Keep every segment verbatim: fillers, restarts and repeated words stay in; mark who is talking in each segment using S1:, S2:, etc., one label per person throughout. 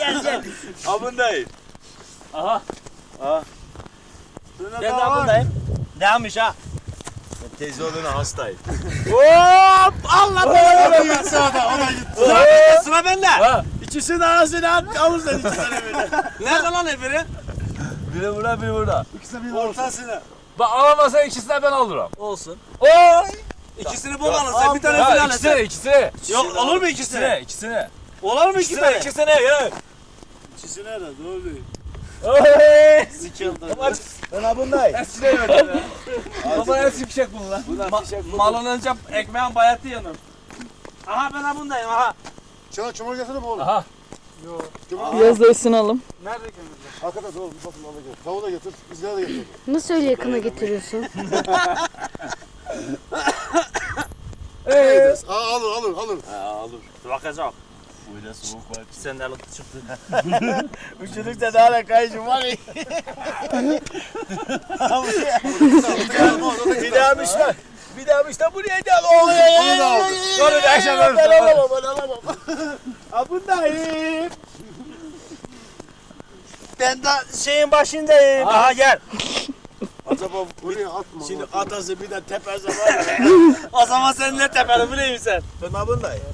S1: gel gel.
S2: Abındayım.
S1: Aha.
S2: Aha.
S1: Ben de abındayım. Neymiş ha?
S2: Ben teyze olduğuna hastayım.
S1: Hop! Allah
S2: O da gitti sağda, o da gitti.
S1: Sıra bende, sıra bende.
S2: Ha, İkisini ağzına at, avuzdan ikisini böyle.
S1: Nerede lan öbürü?
S3: Biri burada, biri burada.
S2: İkisini bir ortasına.
S3: Bak alamazsan ikisini de ben alırım.
S1: Olsun.
S3: Oy!
S1: İkisini bul alın sen bir tane
S3: Ya
S1: filan
S3: ikisini,
S1: et.
S3: ikisini.
S1: Yok olur mu ikisini?
S3: İkisini, ikisini.
S1: Olur mu iki
S3: İkisini,
S1: tane?
S3: ikisini ya.
S2: İkisini de doğru.
S3: Oy!
S1: Sikildi.
S2: Ben abındayım.
S3: Eskine verdim ya. Baba eski fişek bunu lan.
S2: Bunlar fişek bu.
S1: Malın önce ekmeğin bayatı yanır. Aha ben abundayım aha.
S2: Çana çamur getirir mi oğlum?
S3: Aha.
S4: Biraz da ısınalım.
S1: Nerede kömürler?
S2: Hakikaten doğru, bir bakın alacağım. Tavuğu da getir, izgara da getir.
S4: Nasıl öyle yakına getiriyorsun?
S3: Eee.
S2: Aa, alır, alır, alır.
S1: Ha olur. Bakacağım.
S2: Böyle soğuk var.
S1: Sen de alıp çıktı.
S2: Üşüdükçe daha da kayışım var ya. Bir daha müşter. Bir daha müşter buraya gel. Oluyor. Onu da aldı.
S3: Sonra da akşam
S2: Ben
S3: verirsin.
S2: alamam, ben alamam. Abındayım.
S1: Ben de şeyin başındayım. Aha gel.
S2: Acaba buraya atma. Şimdi atası bir de tepesi var ya.
S1: O zaman sen ne tepeli bileyim sen.
S2: Ben abındayım.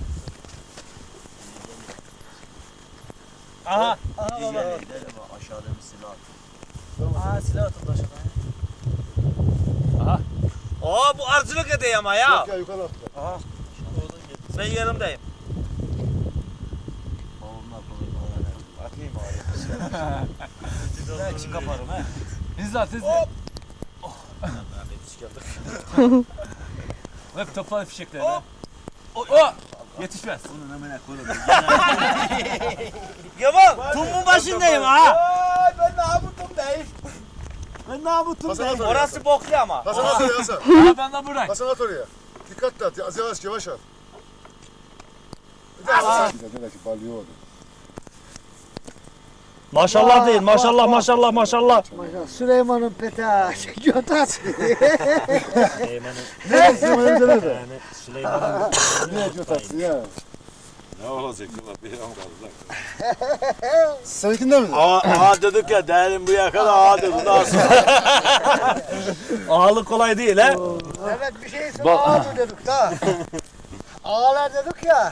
S1: Aha. Aha baba.
S2: Aşağıda bir silah.
S1: Aha silah atıldı aşağıya.
S3: Aha.
S1: Oo bu arıcılık edeyim ama ya.
S2: Yok ya yukarı atla.
S1: Aha. Ben yanımdayım.
S2: Atayım abi.
S1: Ben çık kaparım he.
S3: Biz de atız.
S1: Hop.
S3: Hep topladı fişekleri.
S1: Hop.
S3: Oh. Yetişmez.
S2: Onun hemen koyalım.
S1: Yaman tumun başındayım ha.
S2: Ay ben namutumdayım. Ben namutumdayım.
S1: Orası boklu ama.
S2: Hasan at oraya Hasan.
S3: Aha ben de buradayım.
S2: Hasan at oraya. Dikkatli at. Az yavaş yavaş at. Bir de Hasan. Bir de balıyor orada.
S1: Maşallah değil maşallah maşallah maşallah.
S5: Süleyman'ın peta götas.
S2: Ne Süleyman'ın nerede?
S1: Yani Süleyman'ın
S2: Ne götası ya?
S6: Ne olacak ulan bir an kaldı.
S2: Seninkinde mi?
S6: Aa, aa dedik ya değerim bu yakada aa dedik nasıl?
S1: ağalık kolay değil he.
S5: Evet bir şey söyle ağadır dedik da. Ağalar dedik ya.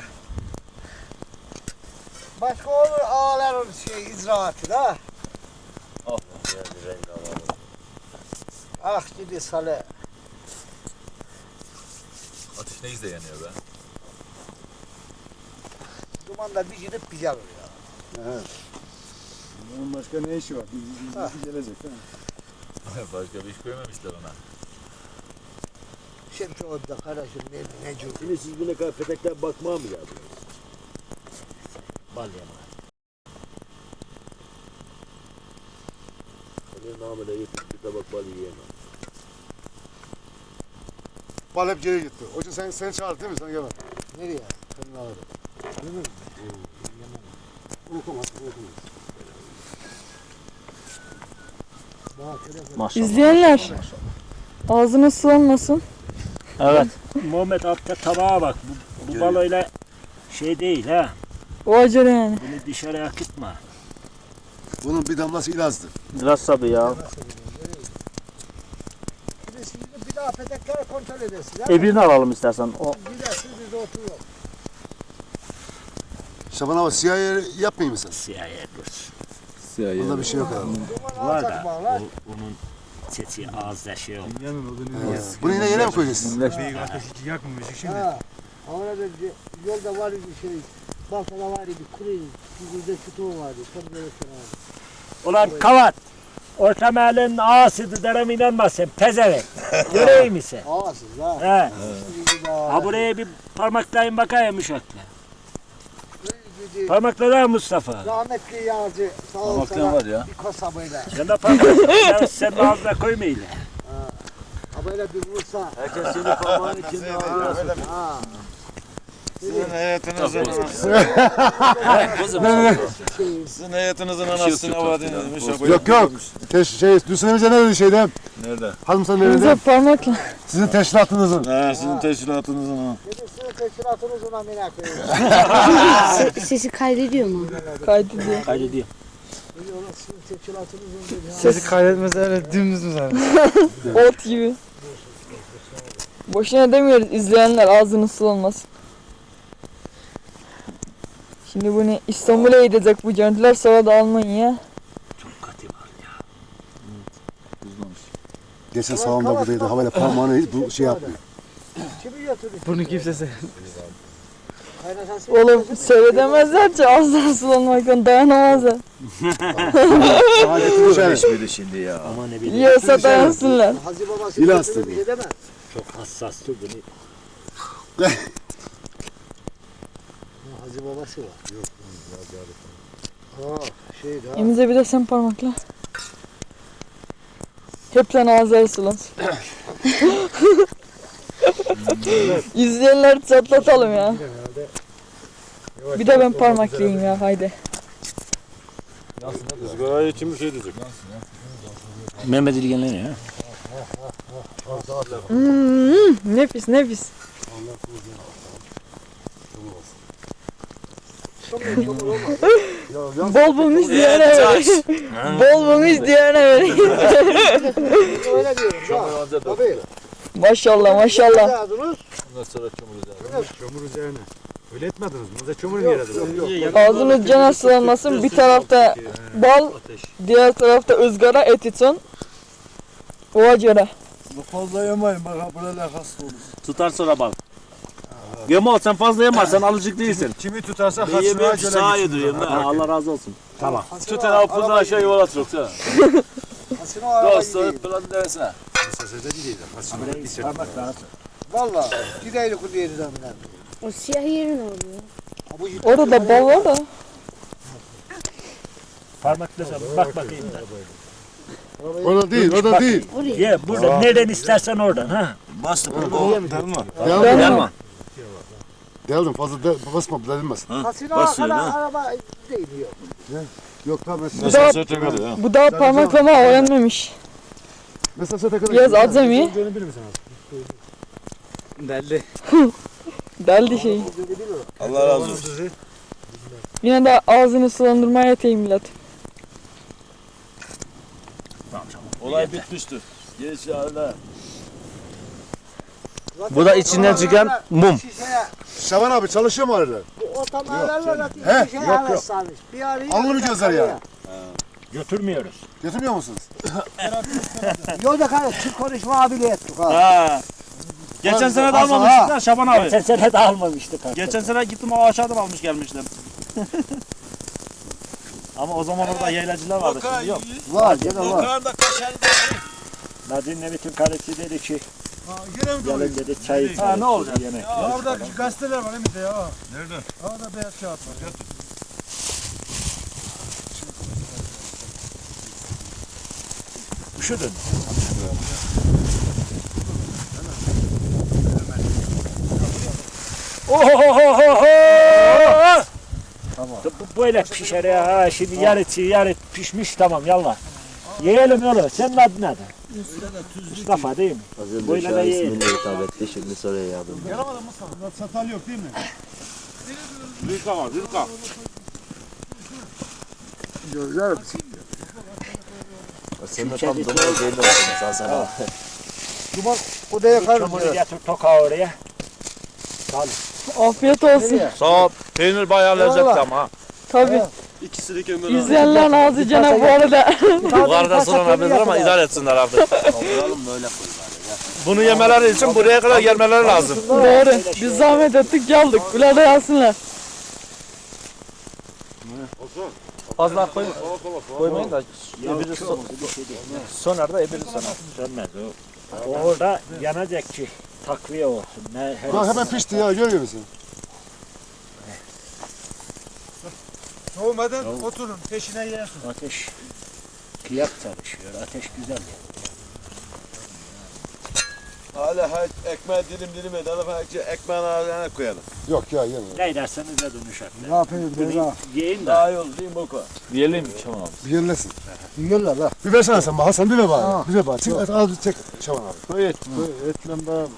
S5: Başka olur ağaların şey icraatı da. Ah gidi sale.
S3: Ateş ne güzel yanıyor be.
S5: Dumanda bir gidip bir gelir ya.
S2: Evet. Bunun başka ne işi var? Biz, biz,
S5: Ha.
S2: biz gelecek değil mi?
S3: Başka bir iş koymamışlar ona.
S5: Şimdi şu orada kardeşim ne ne cür.
S6: Şimdi siz bu ne kadar petekten bakmaya mı geldiniz?
S1: Bal yama.
S6: Senin namına getir bir tabak bal yiyemem.
S2: Bal hep geri gitti. Hoca sen seni çağırdı değil mi? Sen gel.
S5: Nereye? Senin ağrı. Değil mi?
S2: Unutma, unutma.
S5: Bana telefon.
S1: Maşallah.
S4: İzleyenler ağzına sulanmasın.
S1: Evet.
S7: Muhammed altta tabağa bak. Bu, bu baloyla şey değil ha.
S4: O acele yani.
S7: Bunu dışarı akıtma.
S2: Bunun bir damlası ilazdı.
S1: Biraz sabır ya.
S5: Bir de şimdi bir daha petekleri kontrol edesin.
S1: E birini alalım istersen. O
S5: Gidersin biz de oturuyoruz.
S2: Şaban abi siyah yer yapmayayım mı sen?
S7: Siyah dur.
S2: Bunda bir şey yok abi.
S5: Duman
S7: Var
S5: alacak
S7: da
S5: bağlar.
S7: o, onun sesi ağızda şey oldu.
S2: Evet. Bunu yine yere mi koyacaksın?
S5: Ha. Orada bir yolda var bir şey. Baltada var bir kuru. Bir de sütun vardı. Çok böyle abi.
S7: Ulan kavat. Orta mahallenin ağasıydı derim inanmazsın. Pezevenk. Göreyim mi sen?
S5: Ağasız ha.
S7: He.
S5: Gidi
S7: Ha buraya bir parmaklayın bakayım uşakla.
S5: Gidi.
S7: Parmakla Mustafa.
S5: Rahmetli Yağcı sağ ol
S3: Parmaklayan
S5: sana
S3: var ya.
S5: bir kasabıyla.
S7: Sen de parmak. Sen de ağzına koymayın.
S5: Abayla bir vursa.
S6: Herkes senin parmağın içinde ağzına
S5: Ha.
S6: Sizin hayatınızın
S3: Kızım.
S6: Sizin hayatınızın anasını avadınız.
S2: Yok yok. Teş, şey, Hüsnü Emre ne dedi şeyde?
S6: Nerede?
S2: Hanım sen ne
S4: Bize
S2: dedi?
S4: parmakla.
S2: Sizin teşkilatınızın.
S6: Ha, sizin teşkilatınızın ha.
S5: Benim sizin teşkilatınız ona merak ediyorum.
S8: Sesi kaydediyor mu?
S4: Kaydediyor.
S3: Kaydediyor.
S5: Ona sizin teşkilatınızın dedi.
S4: Sesi
S9: kaydetmez öyle dümdüz mü zaten?
S4: ot gibi. Boşuna demiyoruz izleyenler ağzını sulanmasın. Şimdi bunu İstanbul'a gidecek bu görüntüler, sonra da Almanya.
S2: Geçen sağımda buradaydı. Havayla parmağını hiç bu şey yapmıyor.
S5: Kimi götürdü?
S9: Bunu kimse sevmez.
S5: Kaynatası.
S4: Oğlum söyledemezler ki ağzına sulanmaktan dayanamazlar.
S2: Adetini şey.
S6: Hiçbiri şimdi ya.
S7: Ama ne bileyim.
S4: Yiyorsa dayansınlar.
S5: Hacı babası
S2: İlahi
S5: götürdü, bir
S2: tabii.
S5: şey deme.
S7: Çok hassastı bunu.
S5: Hacı babası var. Yok. Aa, şey daha.
S4: Emize bir de sen parmakla. Hepten ağızları sulansın. İzleyenleri çatlatalım ya. Bir de ben parmaklayayım ya, haydi.
S6: Izgarayı için bir şey diyecek.
S3: Mehmet İlgen'le ne ya?
S4: Hmm, nefis nefis. Bol bol izleyene vereyim. Bol bol izleyene vereyim.
S5: Öyle diyorum. Ya. Tabii.
S4: Maşallah maşallah.
S5: Yazdınız.
S3: Ondan sonra çamur
S9: Çamur üzerine. Öyle etmediniz mi? Bize çamur mu yaradınız?
S4: Ağzınız cana sulanmasın. Bir tarafta bal, diğer tarafta ızgara et için. Oğa göre.
S6: Fazla yemeyin bak böyle hasta olur.
S1: Tutar sonra bak. Yema sen fazla yeme, sen alıcık değilsin.
S9: Kimi tutarsa
S1: Ben
S9: kaçırmaya
S1: yemiyorum,
S9: göre
S1: sağa
S9: gitsin.
S1: yediriyorum. Ha, Allah razı olsun.
S7: Tamam.
S1: Tut tane apından aşağı yuvarla yoksa.
S5: Hasino araba
S1: Dostu
S5: gideyim.
S1: plan deresine.
S9: Sesede değil. Hasino bir sert.
S7: Parmak lazım.
S5: Valla. Gideydik o diğeri zaminden.
S8: O siyah yerin oluyor.
S4: Orada da bal var da.
S7: Parmakla bak bakayım da.
S2: O da değil, o da değil.
S7: Ye burada nereden istersen oradan ha.
S6: Bastı bunu delma.
S2: Deldim.
S4: Delma.
S2: Deldim, fazla de, basma, delmez.
S5: Hasino
S6: basıyor,
S5: kadar
S6: ha.
S5: araba değil yok.
S2: Yok tamam,
S4: Bu
S2: mesela,
S4: da,
S6: Sırtı kadar ha.
S4: bu da parmaklama öğrenmemiş.
S2: mesela sete kadar.
S4: Biraz azami.
S9: Bilir misin abi? Belli.
S4: Deldi şey.
S6: Allah razı olsun.
S4: Yine de ağzını sulandırmaya yeteyim millet.
S6: Olay bitmiştir. Geç öyle.
S1: Bu da içinden çıkan mum.
S5: Şişeye,
S2: Şaban abi çalışıyor mu arada?
S5: bu otomobillerle zaten
S2: He,
S5: şişeye
S2: yok, yok.
S5: araslanmış. Bir arayı
S2: Anlamayacağızlar ya.
S7: Götürmüyoruz.
S2: Götürmüyor musunuz?
S5: Yolda kalır. Çık konuşma abiyle ettik ha.
S1: Ha. Geçen sene de
S5: Az- az-
S1: almamıştın ha Şaban abi.
S7: Geçen sene de almamıştık artık.
S1: Geçen sene gittim o aşağıdan almış gelmiştim. Ama o zaman orada yaylacılar vardı, şimdi yok.
S5: Var gene var.
S6: Yukarıda kaşarlı
S7: Nadine bütün karısı dedi ki
S9: Gene mi
S7: gelin dedi çay içelim.
S1: Ha, ne olacak?
S7: Yemek.
S9: Orada gazeteler var elimizde ya. Nerede? Orada beyaz kağıt var.
S7: Üşüdün. Ohohohoho! Tamam. Bu böyle pişer ya. Ha, şimdi yarı çiğ, yarı pişmiş tamam yallah. Yiyelim yolu. Senin adın ne? Mustafa değil mi?
S6: Az önce
S7: Böyle de
S6: Şah
S7: yiyelim.
S6: ismini hitap etti, şimdi soruya yardım.
S9: Satal yok değil mi?
S1: Rüzgar var, rüzgar.
S6: Sen de tam domates belli olsun sen sana.
S5: Duman odaya kalır.
S7: Çamuru getir toka oraya.
S4: Afiyet olsun.
S1: Sağ ol. Peynir bayağı lezzetli ama.
S4: Tabii.
S1: İkisini kömür
S4: İzleyenlerin ağzı cana bu arada.
S1: Bu arada sorulabilir ama idare etsinler artık.
S6: Kaldıralım böyle koy bari.
S1: Bunu yemeleri için buraya kadar gelmeleri lazım.
S4: Doğru. Biz zahmet ettik geldik. Bunlar da yazsınlar.
S1: Fazla koymayın. Koymayın da
S7: Ebiri son.
S1: sonar da ebiri sonar.
S7: Sönmez o. O orada yanacak ki takviye olsun. Ne, her
S2: Bak hemen pişti ya, görüyor musun?
S9: Soğumadan oturun peşine yersin.
S7: Ateş kıyak çalışıyor. Ateş güzel.
S6: Hala hay ekmeği dilim dilim edelim. Ekmeğin ağzına koyalım.
S2: Yok ya yeme.
S7: Ne derseniz de dönüşer.
S5: Ne yapayım ben ha?
S7: Yiyin de.
S6: Daha iyi olur değil mi Boka?
S3: Diyelim Şaban abi.
S2: Bir yerlesin.
S5: Yiyorlar la.
S2: Bir versene sen bana. Hasan bir ver bana.
S5: Ha.
S2: Bir ver bana. Çek, et, al çek. Şaban abi.
S6: Koy et. Koy etle bana.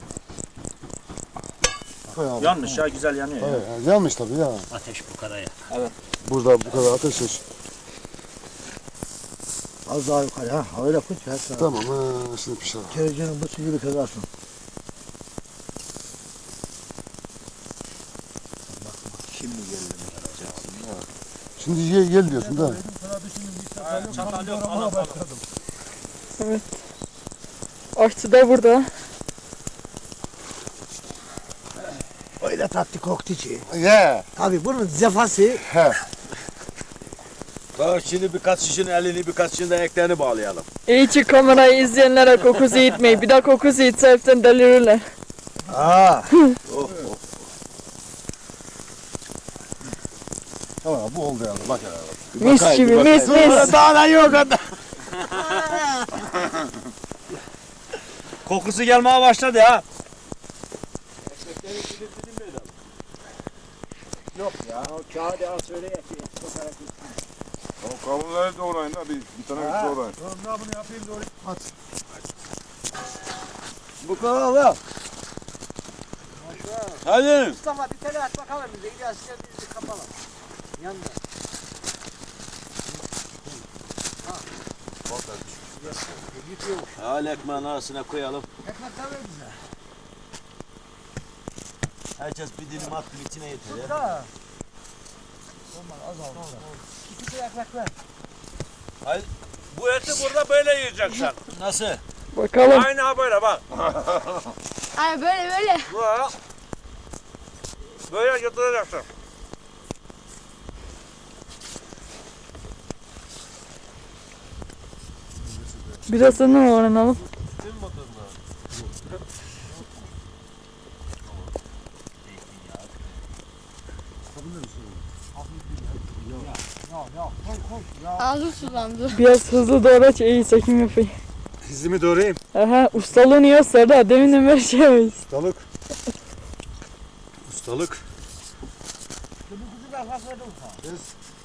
S2: Koy abi.
S3: Yanmış ya güzel yanıyor ya.
S2: Evet, yani yanmış tabii ya.
S7: Ateş bu kadar ya.
S2: Burada bu kadar ateş yok.
S5: Az daha yukarı ha. Öyle koy. Hatta.
S2: Tamam ha şimdi pişer.
S5: Kerecenin bu suyu kazarsın.
S2: Şimdi ye, gel diyorsun da.
S1: Çatal yok. Al, al, al.
S4: Aşçı da burada.
S5: Öyle tatlı koktu ki.
S2: Ye.
S5: Tabii bunun zefası
S2: He.
S6: Bak şimdi birkaç kişinin elini birkaç kişinin de eklerini bağlayalım.
S4: İyi ki kamerayı izleyenlere kokusu gitmeyi. Bir daha kokusu gitse hepten delirirler.
S5: Aa.
S6: Oh,
S2: Tamam bu oldu yani. Bak ya.
S4: Mis gibi mis mis.
S6: Daha da yok adam. Kokusu gelmeye başladı ya.
S7: O kağıdı al söyle ya.
S9: O kavunları doğrayın da bir, bir tane bir doğrayın.
S6: Bu kadar al. Hadi.
S5: Mustafa bir tane at bakalım bize. İlyas sen bizi kapalım. Yanında.
S6: Al ekmeğin arasına koyalım.
S5: Ekmek tabii bize.
S6: Herkes bir dilim attı içine yeter ya.
S5: Da. Olmaz az al. İki tane ekmek ver.
S1: Bu eti burada böyle yiyeceksin.
S6: Nasıl?
S4: Bakalım.
S1: Aynı ha böyle bak.
S8: Ay böyle böyle.
S1: Buraya. Böyle götüreceksin.
S4: Birazını öğrenelim.
S8: Ağzım sulandı.
S4: Biraz hızlı doğraç iyi çekim yapayım.
S2: Dizimi doğrayayım.
S4: Aha ustalığın iyi Serdar. Deminden beri şey yapıyoruz.
S2: Ustalık. Ustalık.
S5: Bu kuzu da fazla verdim sana.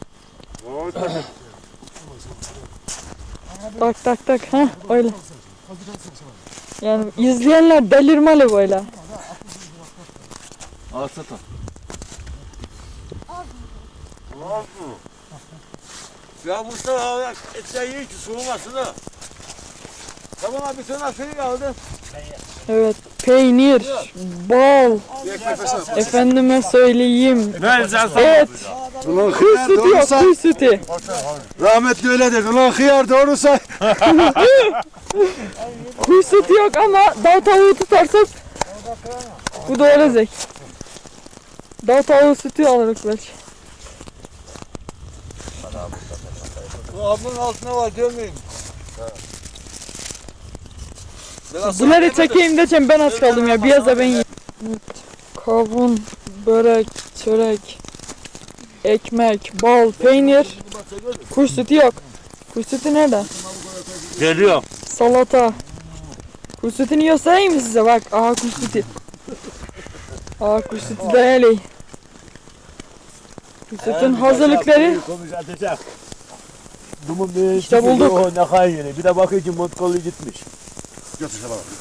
S4: Tak tak tak. Ha öyle. Yani izleyenler delirmeli böyle.
S3: Al satan.
S6: Ya Mustafa etler yiyin ki soğumasın ha. Tamam abi sana şey aldım.
S4: Evet. Peynir, bal,
S2: Bir ekmek versene.
S4: efendime söyleyeyim.
S1: Ne sen
S4: Et,
S2: Ulan
S4: kuy
S2: hıyar
S4: sütü yok,
S2: doğru say.
S4: kuy sütü.
S2: Rahmetli öyle dedi. Ulan hıyar doğru say.
S4: Kuy sütü yok ama dağ tavuğu tutarsak bu da olacak. Dağ tavuğu sütü alırız belki.
S6: Bu ablanın altına var görmeyeyim.
S4: Bunları çekeyim diyeceğim ben aç kaldım ya. Biraz da ben yiyeyim. Evet. Kavun, börek, çörek, ekmek, bal, peynir. Kuş sütü yok. Kuş sütü nerede?
S1: Geliyor.
S4: Salata. Kuş sütünü göstereyim mi size? Bak. Aha kuş sütü. Aha kuş sütü de öyle. Kuş sütün hazırlıkları.
S7: Konuşacak. Dumun bir
S4: İşte bulduk.
S7: O ne kadar yeni. Bir de bakıyor ki motkolu gitmiş.
S2: Götür Şaban abi.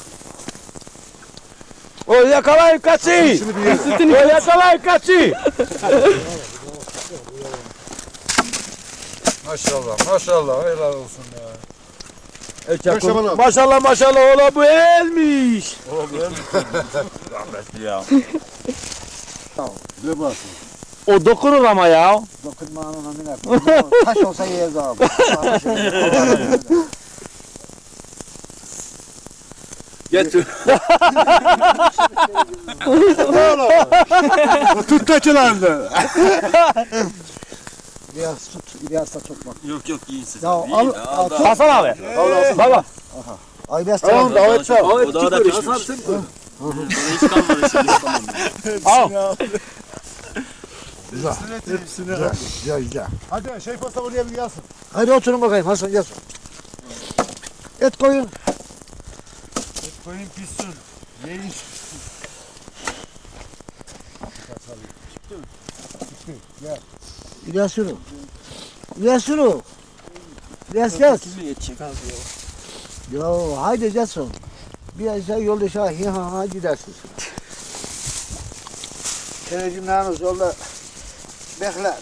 S6: O yakalayın kaçı.
S2: Şimdi bir ye.
S4: Sütünü
S6: O yakalayın kaçı.
S9: Maşallah maşallah helal olsun ya.
S2: Bak Şaban abi.
S6: Maşallah maşallah ola bu elmiş.
S1: Rahmetli ya.
S2: Bir baksın.
S6: O dokunur ama ya.
S5: Dokunma anına miner. Taş olsa yeriz abi.
S6: Getir.
S2: Tut kaçılandı.
S5: İlyas tut. İlyas da çok bak.
S1: Yok yok iyisin siz.
S5: Ya al. al tut.
S6: Hasan abi. Baba.
S5: Ay İlyas
S2: Tamam
S5: tamam.
S2: davet sağ.
S1: O daha da pişmiş. Hiç kalmadı şimdi.
S6: Al.
S5: Güzel. Güzel. Güzel güzel.
S2: Hadi şey pasta buraya bir yazsın.
S5: Hadi oturun bakayım Hasan gel. Et koyun.
S6: Koyun pişsin. Yiyin.
S5: İlyasunu. İlyasunu. İlyas yaz.
S1: Kimi yetecek abi ya?
S5: Yo haydi Jason. Bir aşağı yolda aşağı hi ha ha gidersin. Televizyonlarınız yolda bekler.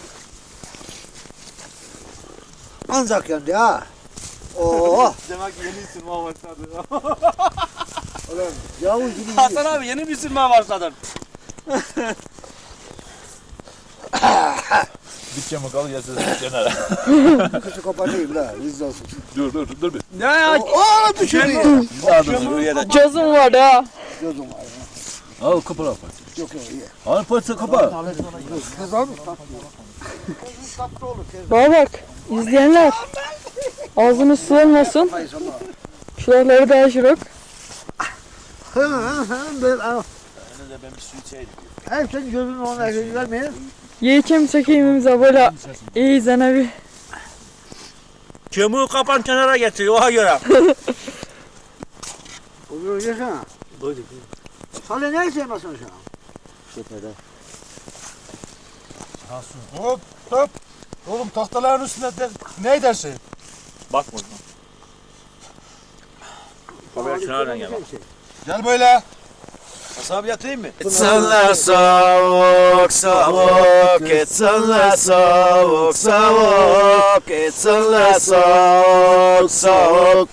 S5: Ancak yandı ha. Oo.
S1: Demek ki yeni ısınma başladı.
S5: Ulan Yavuz gibi
S1: Hasan abi yeni bir ısınma başladın.
S3: Bütçemi kal yazsın kenara.
S5: kışı kapatayım la. Rizli olsun.
S3: Dur dur dur bir.
S1: Ne ya?
S5: Oo düşürüyor.
S3: Biz de adımızı buraya da.
S4: Cazım var ha.
S5: Gözüm var.
S3: Al kapı al.
S5: Yok yok iyi.
S3: Al parça kapa.
S5: Kız almış tatlı. Kızın tatlı olur. Kız.
S4: Bana bak izleyenler. Ağzınız sıvılmasın. Şuraları da aşırık.
S5: Hı hı hı. Ben al.
S3: Ben bir su içeydim.
S5: Hep sen gözünün ona gözü vermeyin.
S4: Yiyeceğim çekeyimimize böyle iyi izlene bir.
S1: Kömüğü kapan kenara getir oha göre.
S5: Oluyor yaşa. Sana ne sevmesin şu an?
S2: Hop hop. Oğlum tahtaların üstünde de, ne edersin?
S3: Bakma. Kamera kenardan gel bak.
S2: Gel böyle.
S3: Hasan abi yatayım mı? Etsenler soğuk soğuk, etsenler soğuk soğuk, etsenler soğuk soğuk.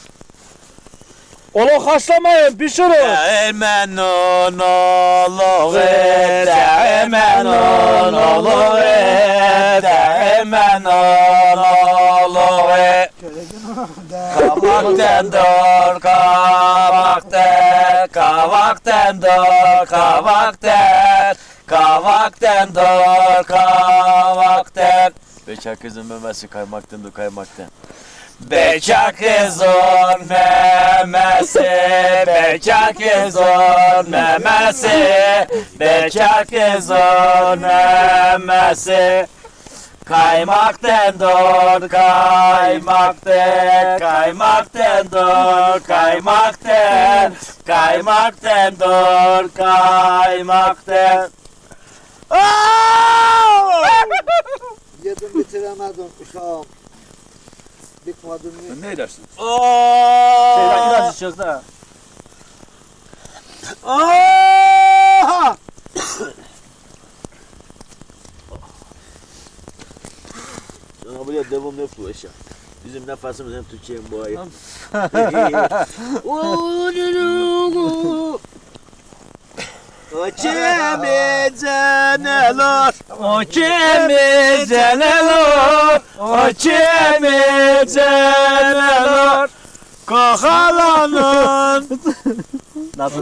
S1: Onu haşlamayın pişirin.
S3: Değmen on olur, değmen on olur, değmen on olur. Kavakten dur, kavakten, kavakten dur, kavakten, kavakten dur, kavakten. Bekar kızın memesi kaymaktan dur, kaymaktan. Bekar kızın memesi, bekar kızın memesi, bekar kızın memesi. Kaymaktan dur, kaymaktan, kaymaktan dur, kaymaktan, kaymaktan dur, kaymaktan.
S5: Yedim bitiremedim uşağım. Bitmedin mi?
S3: Ne edersin?
S1: Şeyden biraz içeceğiz de.
S3: Sana buraya devam yok bu eşya. Bizim nefesimiz hem Türkiye hem bu ayı. O kemize neler, o kemize neler, o kemize neler. Kakalanın. Nasıldı?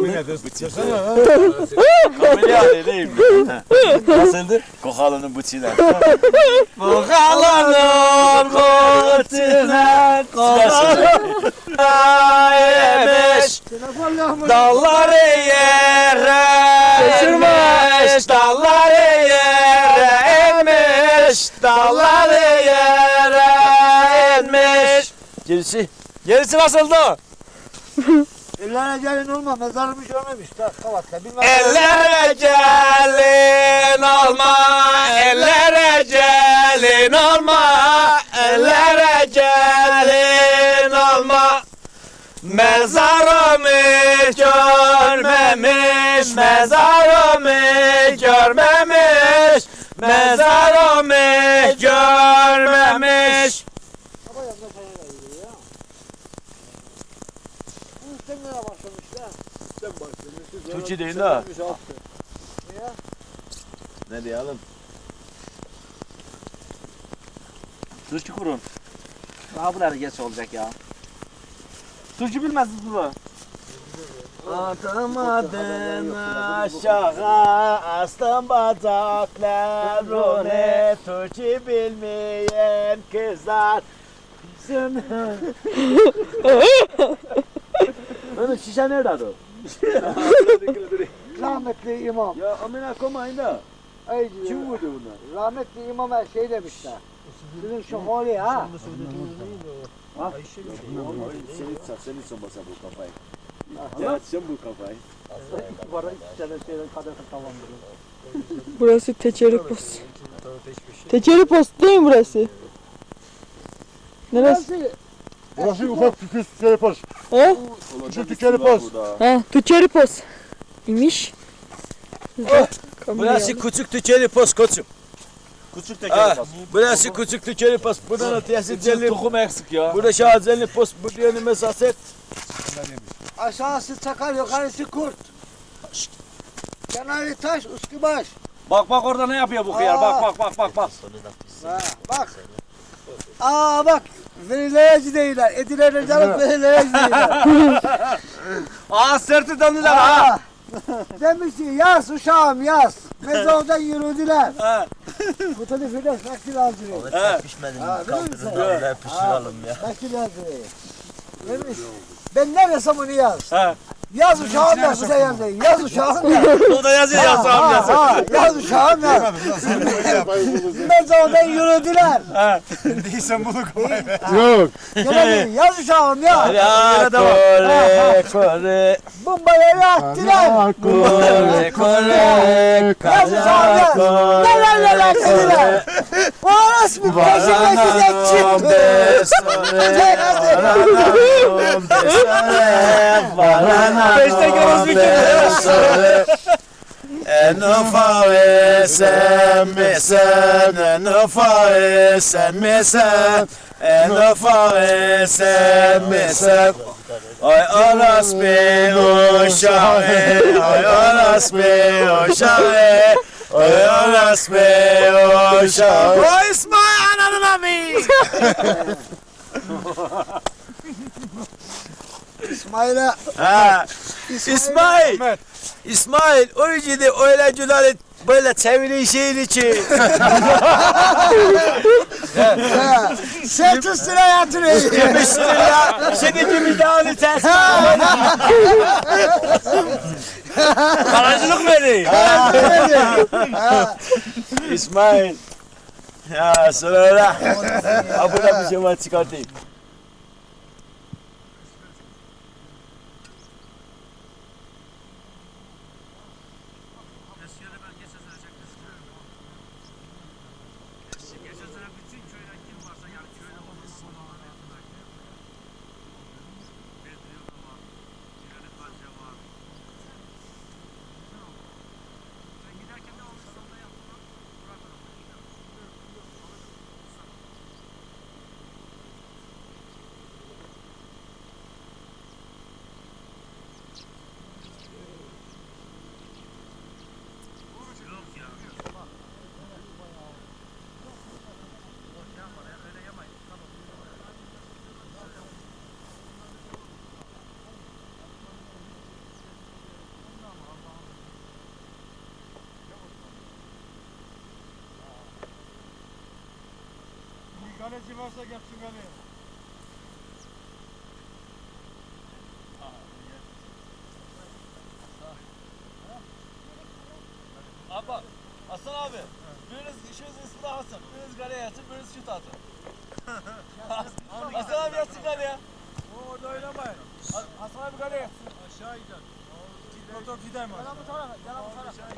S3: Kamilya değil mi? Nasıldı? Kokalanın bıçıyla. Kokalanın bıçıyla, kokalanın yemiş. Dalları yere inmiş, dalları yere inmiş, dalları yere inmiş. Gerisi? Gerisi nasıldı?
S5: Ellere gelin olma mezarımı görmemiş. Tak kavatta bilmem.
S3: Ellere gelin olma, ellere gelin olma, ellere gelin olma. Mezarımı görmemiş, mezarımı görmemiş, mezarımı görmemiş.
S5: Ama yanında sana da gidiyor ya. Bu sen nereye başlamışlar? Sen başlamışsın.
S3: Türkçe değil ha.
S5: Niye?
S3: Ne diyelim?
S1: Türkçe kurun. Daha bunlar geç olacak ya. Türkçe bilmezsiniz bunu.
S3: Atamadın aşağı, astım bacaklarını, Türkçe bilmeyen kızlar. Onun şişe nerede o?
S5: Rahmetli imam.
S3: Ya amına komayın da.
S5: Ay,
S3: Kim vurdu bunlar?
S5: rahmetli imama şey demişler. Sizin şu holi ha.
S3: Senin sen, senin son basa bu kafayı. Ya sen bu kafayı.
S1: Bana iki tane şeyden kadar tamamdır.
S4: Burası Teçeri Post. Teçeri Post değil mi burası? Neresi?
S2: Burası ufak tüküs tükeri pas.
S4: He?
S2: Küçük tükeri pas.
S4: He, Teçeri Post. İmiş.
S3: Burası küçük tükeli pas koçum.
S1: Küçük
S3: Ha,
S1: teker bas.
S3: burası küçük tükeli pas. Buradan ötesi celli.
S1: Tohum eksik ya.
S3: Burada şahazelli pas. Burada yeni mesaset.
S5: Aşağısı çakal, yukarısı kurt. Kenarı taş, üstü baş.
S1: Bak bak orada ne yapıyor bu hıyar. Bak bak bak bak bak.
S5: Ha, bak. Aa bak. Verileyeci değiller. Edilerine canım verileyeci değiller.
S1: Aa sırtı döndüler ha.
S5: Aa, demiş ki yaz uşağım yaz. Mezardan yürüdüler.
S1: Ha.
S5: Bu tadı filan nakil aldırıyor.
S1: Ha.
S3: Pişmedim.
S5: Ha, biliyor musun?
S3: Kaldırın. Pişirelim ya.
S5: Nakil aldırıyor. Demiş. Ben ne desem onu yaz.
S1: Ha.
S5: Yaz uşağım yaz. Bu da yazıyor. Yaz uşağım yaz.
S1: O da yazıyor ya
S5: Ha,
S1: sağım
S5: ha,
S1: yazıyor.
S5: ha, yaz uşağım yaz. Mezardan yürüdüler.
S2: Yok.
S5: Gene yaz uşağım yaz.
S3: Ya kore kore.
S5: Bombayı attılar.
S3: Kore kore.
S5: Yaz uşağım yaz. Neler neler dediler. O arası bir peşine gidecek çıktı.
S3: Beşte göz büküldü. En ufak sen mi sen, en ufak sen mi sen, en ufak sen mi sen. Ay aras bir uşağı, ay aras bir uşağı, ay aras bir uşağı. O İsmail ananın ami.
S5: İsmail'e
S3: Ha, İsmail, İsmail, o yüzden öyle güler böyle çeviri şeyin için.
S5: Sırt üstüne yatırıyor.
S3: Yemişsin ya, senin gibi dağını ters. Karacılık beni. İsmail. Ya sonra ha burada bir şey var çıkartayım.
S2: Kaleci varsa gelsin kaleye.
S1: Abi bak. Hasan abi. Biriniz işiniz ismi Hasan. Biriniz galeye yatsın, biriniz şut atın. Hasan abi yatsın galeye.
S2: O orada oynamayın.
S1: Hasan abi galeye yatsın.
S2: Aşağı gider. Motor gider mi? Yalan bu tarafa. Yalan bu tarafa.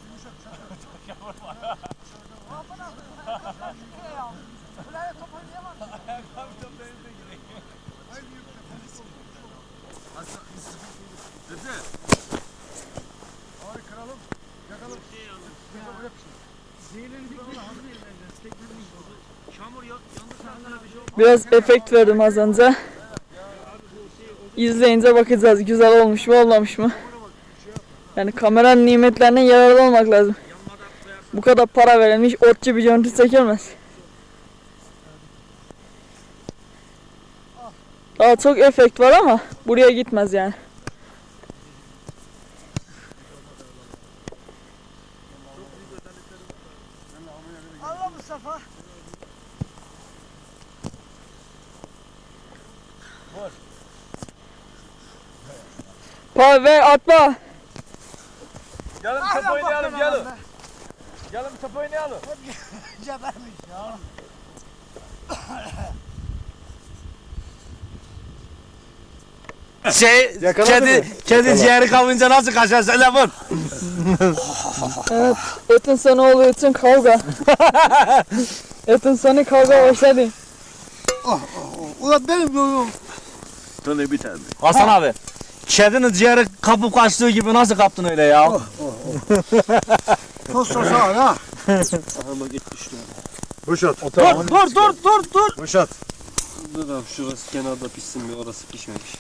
S2: Abi kıralım. Yakalım.
S4: Biraz efekt verdim az önce. İzleyince bakacağız güzel olmuş mu olmamış mı? Yani kameranın nimetlerinden yararlı olmak lazım. Bu kadar para verilmiş otçu bir görüntü çekilmez. Daha çok efekt var ama buraya gitmez yani.
S5: Allah Mustafa.
S4: Pa ver atma.
S1: Gelin top oynayalım gelin. Gelin top oynayalım.
S5: Gebermiş ya.
S3: şey kedi kedi ciğeri kapınca nasıl kaçar telefon?
S4: Evet. Etin sonu olduğu için kavga. Etin sonu kavga başladı.
S5: Ulan benim yolum.
S6: Sana bir tane.
S3: Hasan abi. Kedinin ciğeri kapıp kaçtığı gibi nasıl kaptın öyle ya?
S5: Tost tost al ha.
S2: Boşalt.
S3: Dur dur dur dur dur.
S2: Boşalt.
S6: Dur abi şurası kenarda pişsin bir orası pişmemiş.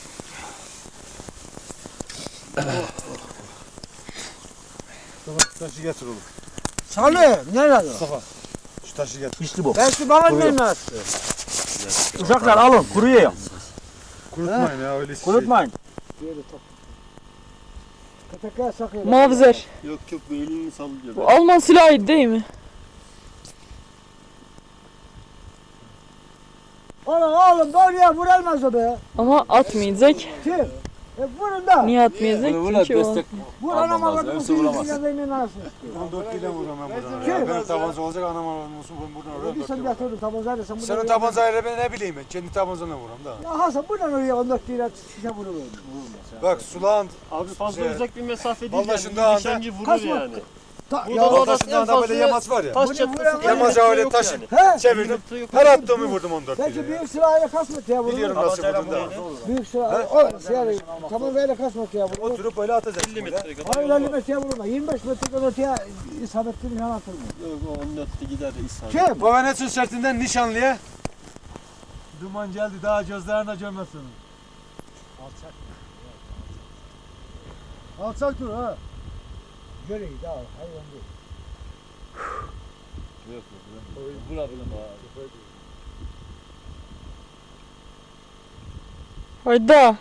S2: Taşı getir oğlum.
S5: Salih nerede?
S2: Şu taşı getir.
S3: İşte bu.
S5: Belki bana ne attı?
S3: Uşaklar alın kuruyor.
S2: Kurutmayın ya öyle şey.
S3: Kurutmayın.
S5: Köpekler sakıyor.
S4: Mavzer.
S6: Yok yok bu elini sallıyor.
S4: Bu Alman silahı değil mi?
S5: Oğlum oğlum doğruya vurulmaz o be.
S4: Ama atmayacak.
S5: Kim? E vurun da.
S4: Niye atmayacak? Çünkü o.
S5: Vur anam avradım.
S6: hepsi vuramaz.
S2: on dört ile vururum ben buradan.
S5: Kim?
S2: Ya. Benim tabanca olacak anam avradım olsun ben buradan oraya
S5: Bir
S2: dört
S5: sen
S2: ile vururum.
S5: yatırdın tabancayla sen buradan.
S2: Senin tabancayla ben ne bileyim ben kendi tabancamla vururum da.
S5: Ya Hasan buradan oraya on dört lira şişe vurur.
S2: Bak sulağın
S6: Abi fazla
S2: Şey,
S6: uzak bir mesafe değil
S2: vallahi
S6: yani.
S2: şunda anda-
S6: Nişancı vurur
S5: Kaç
S6: yani.
S5: Ta,
S6: Buradan
S5: ya,
S6: orası
S2: taşından
S6: en
S2: da böyle
S6: fazla
S2: yamaç var ya.
S6: taş
S5: Bunu
S6: çatlasın.
S5: vuran-
S2: Yamaca öyle taşı
S5: he?
S2: çevirdim. Her attığımı vurdum on dört
S5: Peki
S2: ile.
S5: büyük silahıyla kaç metreye vurur?
S2: Biliyorum nasıl vurdum da.
S5: Büyük silah. O silahı tabancayla kaç metreye vurur?
S2: Oturup öyle atacaksın.
S6: elli
S2: böyle.
S6: metre kadar.
S5: Hayır elli metreye vurma. yirmi beş metreden öteye isabetli bir yan atılmıyor.
S6: Yok o on dörtte gider de ishal.
S5: Kim?
S2: Bavanetsun sertinden nişanlıya. Duman geldi daha gözlerine görmesin. Alçak. Alçak dur ha.
S5: Göreyi daha hayvan değil.
S4: Hayda.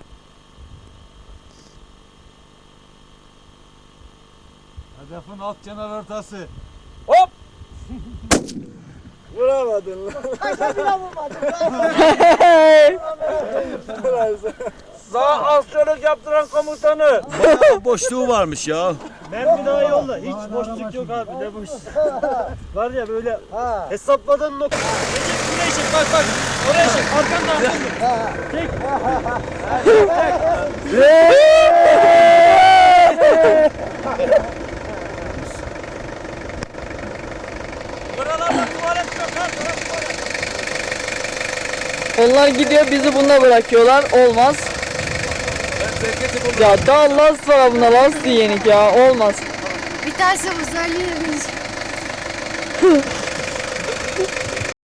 S2: Hedefin alt kenar ortası.
S6: Vuramadın lan.
S3: Sağ askörlük yaptıran komutanı. Boşluğu varmış ya.
S6: Mermi daha yolla. Hiç boşluk yok abi. Ne boş. Var ya böyle hesapladığın nokta. Recep buraya çek bak bak. Oraya çek. Arkanda arkanda. Çek. Buralarda tuvalet yok ha. Tuvalet.
S4: Onlar gidiyor bizi bunda bırakıyorlar. Olmaz. Ya daha last var buna last yenik ya. Olmaz.
S8: Bir tanesi bu söyleyeyim.